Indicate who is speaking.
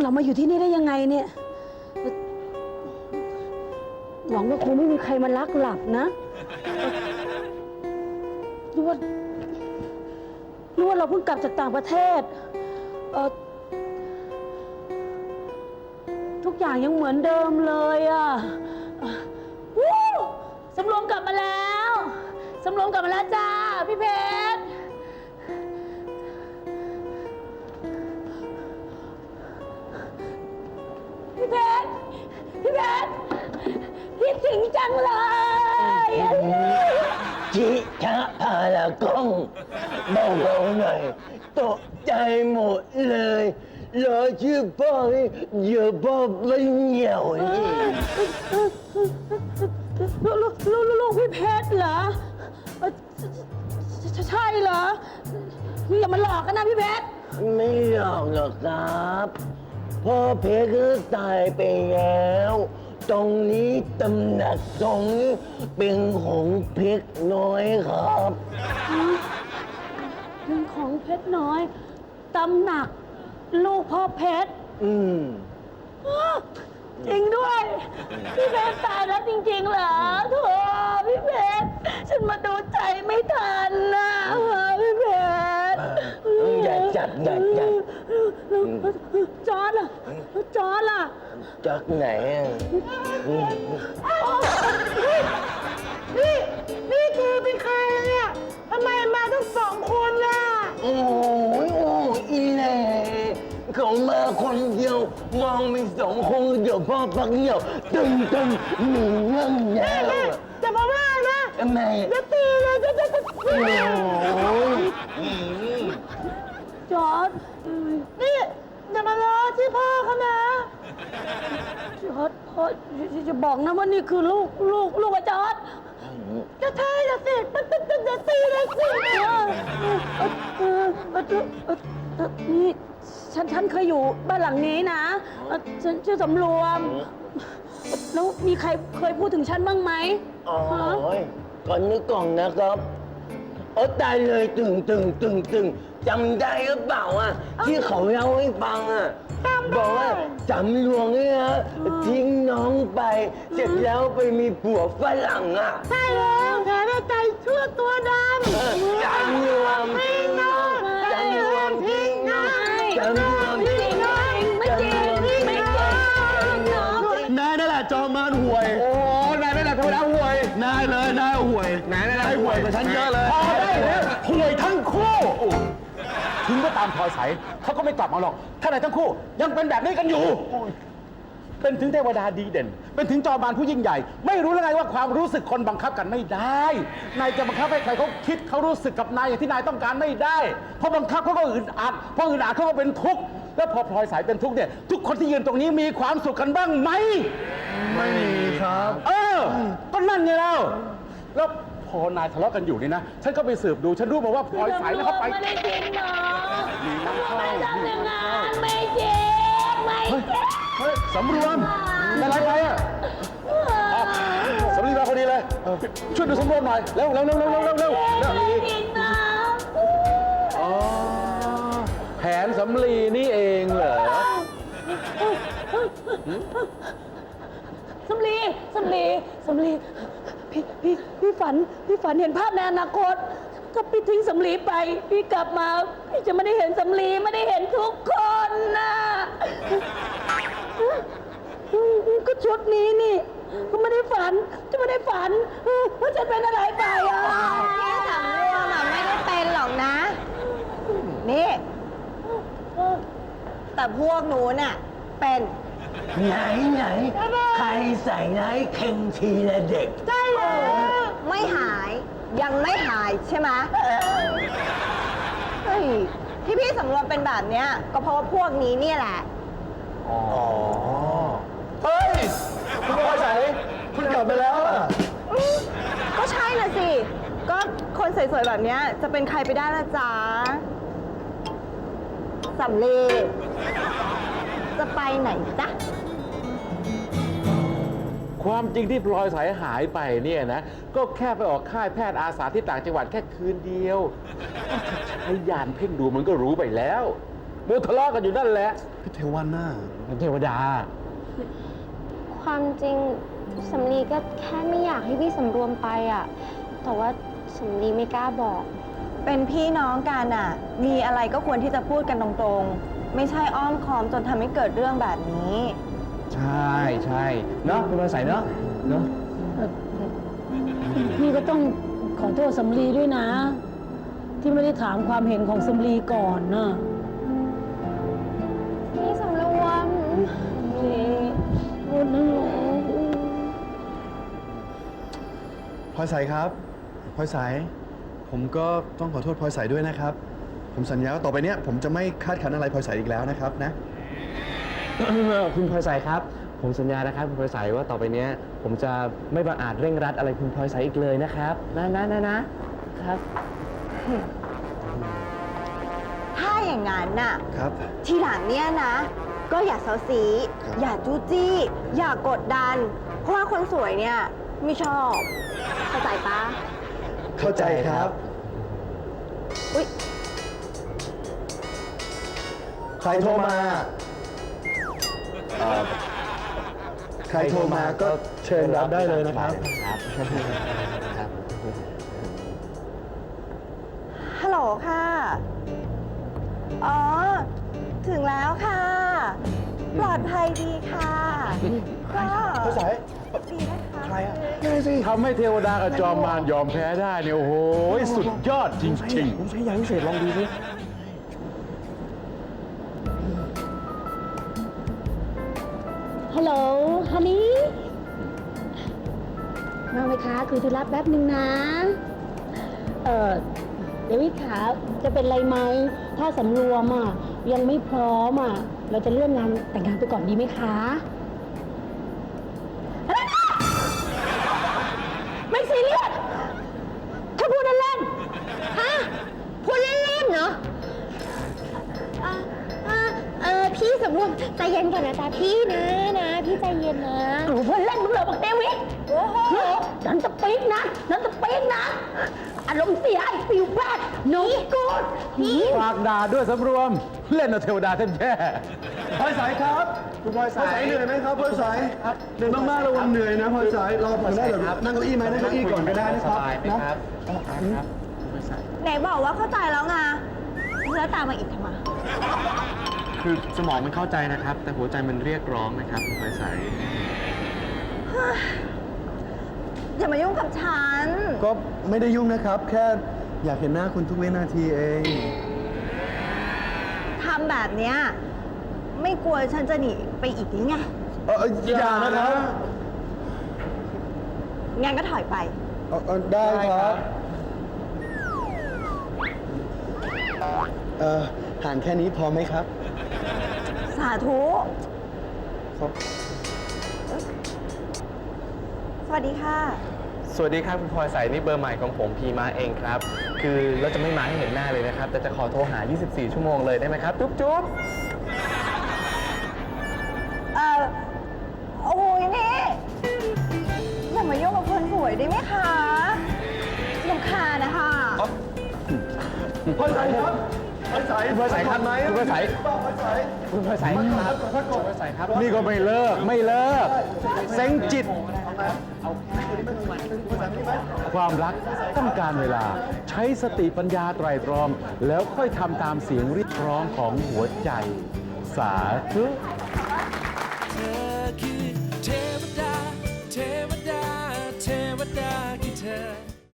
Speaker 1: เรามาอยู่ที่นี่ได้ยังไงเนี่ยหวังว่าคงไม่มีใครมาลักหลับนะหรือว่าเราเพิ่งกลับจากต่างประเทศทุกอย่างยังเหมือนเดิมเลยอ่ะวู้สำรวมกลับมาแล้วสำรวมกลับมาแล้วจ้าพี่เพชรพี่เพชรคิดถึงจังเลย
Speaker 2: จิชะพาละกงเบาๆหน่อยตกใจหมดเลยรอชื่อพ่อนี่อย่าพ่อไปเหนียวนี่
Speaker 1: ลูกพี่เพชรเหรอใช่เหรออย่ามาหลอกกันนะพี่เพชร
Speaker 2: ไม่หรอกครับพ่อเพชรก็ตายไปแล้วตรงนี้ตำหนักตรงนี้เป็นของเพชรน้อยครับ
Speaker 1: เป็นของเพชรน้อยตำหนักลูกพ่อเพชรจริงด้วยพี่เพชรตายแล้วจริงๆเหรอโธ่พี่เพชรฉันมาดูใจไม่ทันนะพี่เพชร
Speaker 2: อย่าจัด
Speaker 1: จอร์จล่ะ
Speaker 2: จากไหน
Speaker 1: นี่คือเป็นใครเนี่ยทำไมมาทั้งสองคนล่ะ
Speaker 2: โอ้อีเล่เขามาคนเดียวมองมีสองคนเดี๋ยวพ่อพักเหี่ยวตึงหนีเรื่องแล้ว
Speaker 1: จะมาว่านะ
Speaker 2: ทำไม
Speaker 1: จะตีเลยจะจอร์จนี่อย่ามาล้อที่พ่อเขานะจอร์จพ่อจะบอกนะว่านี่คือลูกอาจารย์จะใช่จะสิจะตีเลยสินี่ฉันเคยอยู่บ้านหลังนี้นะฉันชื่อสำรวมแล้วมีใครเคยพูดถึงฉันบ้างไหม
Speaker 2: ก่อนนึกก่อนนะครับตายเลยตึงจำได้หรือเปล่าที่เขาเล่าให้ฟังบอกว่าสำรวมเนี่ยทิ้งน้องไปเสร็จแล้วไปมีผัวฝรั่ง
Speaker 1: ใช่แล้วแถมใจชั่วตัวดำ
Speaker 2: จำรวมทิ้งน้องจำรวมทิ้งน้องจำรวมทิ้งน้อง
Speaker 1: ไม่จริง
Speaker 3: นายนั่นแหละจอมมารห่วย
Speaker 4: โอ้นายนั่นแหละทำไมเอาห่วย
Speaker 3: นายห่วย
Speaker 4: นาย
Speaker 3: ห่วยกว่าฉันเยอะเลย
Speaker 4: พอได้แล้วห่วยทั้งคู่ถึงก็ตามพลอยใสเขาก็ไม่กลับมาหรอกถ้านายทั้งคู่ยังเป็นแบบนี้กันอยู่เป็นถึงเทวดาดีเด่นเป็นถึงจอมมารผู้ยิ่งใหญ่ไม่รู้แล้วไงว่าความรู้สึกคนบังคับกันไม่ได้นายจะบังคับให้ใครเขาคิดเขารู้สึกกับนายอย่างที่นายต้องการไม่ได้เพราะบังคับเขาก็อึดอัดเพราะอึดอัดเขาก็เป็นทุกข์แล้วพอพลอยสายเป็นทุกข์เนี่ยทุกคนที่ยืนตรงนี้มีความสุขกันบ้างไหม
Speaker 3: ไม่มีครับ
Speaker 4: ก็นั่นไงแล้วพอนายทะเลาะกันอยู่นี่นะฉันก็ไปสืบดูฉันรู้มาว่าพลอยสายแล้วเขาไป
Speaker 1: ไม่ได้จริงเนาะไม่ทำอย่างนั้นไม่จริงไม่จริง
Speaker 4: สำรวมเป็นไรไปสำลีมาพอดีเลยช่วยดูสำรวมหน่อยเร็ว
Speaker 1: ไม่จริงนะ
Speaker 4: แผนสำลีนี่เองเหรอ
Speaker 1: สำลีพี่ฝันเห็นภาพในอนาคตก็พี่ทิ้งสำลีไปพี่กลับมาพี่จะไม่ได้เห็นสำลีไม่ได้เห็นทุกคนนะก็ชุดนี้นี่ก็ไม่ได้ฝันว่าจะเป็นอะไรไป
Speaker 5: พี่สำรวมไม่ได้เป็นหรอกนะนี่แต่พวกหนูน่ะเป็น
Speaker 2: ไหนใครใส่ไหนเข่งทีละเด็ก
Speaker 1: ใช่แล้ว
Speaker 5: ไม่หายยังไม่หายใช่ไหมที่พี่สำรวมเป็นแบบเนี้ยก็เพราะว่าพวกนี้เนี่ยแหละ
Speaker 4: เฮ้ยคุณพลอยใสคุณกลับไปแล้ว
Speaker 5: ก็ใช่น่ะสิก็คนสวยๆแบบเนี้ยจะเป็นใครไปได้ล่ะจ๊ะสำลีจะไปไหนจ๊ะ
Speaker 4: ความจริงที่พลอยสายหายไปเนี่ยนะก็แค่ไปออกค่ายแพทย์อาสาที่ต่างจังหวัดแค่คืนเดียวใช้ยานเพ่งดูมันก็รู้ไปแล้วมัวทะเลาะกันอยู่นั่นแหละ
Speaker 3: พี่เทวันน่ะ
Speaker 4: เป็นเทวดา
Speaker 6: ความจริงสำลีก็แค่ไม่อยากให้พี่สำรวมไปอ่ะ แต่ว่าสำลีไม่กล้าบอก
Speaker 5: เป็นพี่น้องกันอ่ะ มีอะไรก็ควรที่จะพูดกันตรงๆ ไม่ใช่อ้อมค้อมจนทำให้เกิดเรื่องแบบนี้
Speaker 4: ใช่ใช่เนาะคุณพลอยใสเนาะ
Speaker 1: พี่ก็ต้องขอโทษสำลีด้วยนะ ที่ไม่ได้ถามความเห็นของสำลีก่อนนะ
Speaker 6: พี่สำรวม
Speaker 1: พูดนั่นแหละ
Speaker 3: พลอยใสครับพลอยใสผมก็ต้องขอโทษพลอยใสด้วยนะครับ ผมสัญญาว่าต่อไปเนี้ยผมจะไม่คาดคั้นอะไรพลอยใสอีกแล้วนะครับนะ
Speaker 7: คุณพลอยใสครับ ผมสัญญานะครับคุณพลอยใสว่าต่อไปเนี้ยผมจะไม่บังอาจเร่งรัดอะไรคุณพลอยใสอีกเลยนะครับนะครับ
Speaker 5: ถ้าอย่างนั้นน่ะ
Speaker 3: ครับ
Speaker 5: ทีหลังเนี่ยนะ ก็อย่าเซาซี
Speaker 3: ครับ
Speaker 5: อย่าจู้จี้ อย่ากดดัน เพราะว่าคนสวยเนี่ยไม่ชอบ เข้าใจปะ
Speaker 3: เข้าใจครับ
Speaker 5: อุ๊ย
Speaker 3: ใครโทรมาใครโทรมาก็เชิญรับได้เลยนะครับ
Speaker 5: ฮัลโหลค่ะ อ๋อ ถึงแล้วค่ะ ปลอดภัยดีค่ะ ก็
Speaker 3: พลอยใส
Speaker 5: ดีนะคะ
Speaker 3: ใครอะ
Speaker 4: ทำให้เทวดากับจอมมารยอมแพ้ได้เนี่ย โอ้โห สุดยอดจริง
Speaker 7: ผมใช้ยาพิเศษลองดูสิ
Speaker 1: ฮัลโหลฮันนี่มาไหมคะคุยธุระแป๊บนึงนะ เดวิดขาจะเป็นไรไหม ถ้าสำรวมอ่ะยังไม่พร้อมอ่ะ เราจะเลื่อนงานแต่งงานไปก่อนดีไหมคะอะไรนะไม่ซีเรียสแค่พูดเล่นๆฮะพูดเล่นๆเนาะ
Speaker 6: พี่สำรวมใจเย็นก่อนนะจ๊ะพี่นะพี่ใจเย็นนะ
Speaker 1: หนูเพื่อนเล่นมึงเหรอบักเดวิดโอ้โหนันจะปีกนะอารมณ์เสียไอ้ฟิวแบดโน้กูด
Speaker 4: ๆ ฝากด่าด้วยสำรวม เล่นเอาเทวดาแท้
Speaker 3: พลอยใสครับคุณพลอยใสเหนื่อยไหมครับพลอยใสเหนื่อยมากๆระวังเหนื่อยนะพลอยใสรอผมได้เดี๋ยวนั่งเก้าอี้ไหมนั่งเก้าอี้ก่อนก็ได้นะครับนะ
Speaker 5: ไหนบอกว่าเข้าใจแล้วไงแล้วตามมาอีกทำไม
Speaker 7: คือสมองมันเข้าใจนะครับ แต่หัวใจมันเรียกร้องนะครับคุณพลอยใส
Speaker 5: อย่ามายุ่งกับฉัน
Speaker 3: ก็ไม่ได้ยุ่งนะครับ แค่อยากเห็นหน้าคุณทุกวินาทีเอง
Speaker 5: ทำแบบเนี้ยไม่กลัวฉันจะหนีไปอีกหรือไง
Speaker 3: อย่านะครับ
Speaker 5: งั้นก็ถอยไป
Speaker 3: ได้ครับห่างแค่นี้พอไหมครับ
Speaker 5: สาธุ
Speaker 3: ครับ
Speaker 5: สวัสดีค่ะ
Speaker 7: สวัสดีครับคุณพลอยใสนี่เบอร์ใหม่ของผมพีมาเองครับ คือเราจะไม่มาให้เห็นหน้าเลยนะครับ แต่จะขอโทรหา 24 ชั่วโมงเลยได้ไหมครับ จุ๊บ
Speaker 5: โอ้ยนี่อย่ามายุ่งกับคนสวยได้ไหมคะรำคาญนะคะ
Speaker 3: พลอยใสครับพลอยใส
Speaker 4: ๆคุณพลอยใสครับ
Speaker 3: ไหม
Speaker 4: คุณพลอยใส
Speaker 3: พลอยใส
Speaker 4: คุณพลอยใสครับ
Speaker 3: พักก่อน
Speaker 7: ครับ
Speaker 4: นี่ก็ไม่เลิกเซ็งจิต ความรักต้องการเวลา ใช้สติปัญญาไตรตรอง แล้วค่อยทำตามเสียงเรียกร้องของหัวใจ สาธุ
Speaker 8: เธอคือ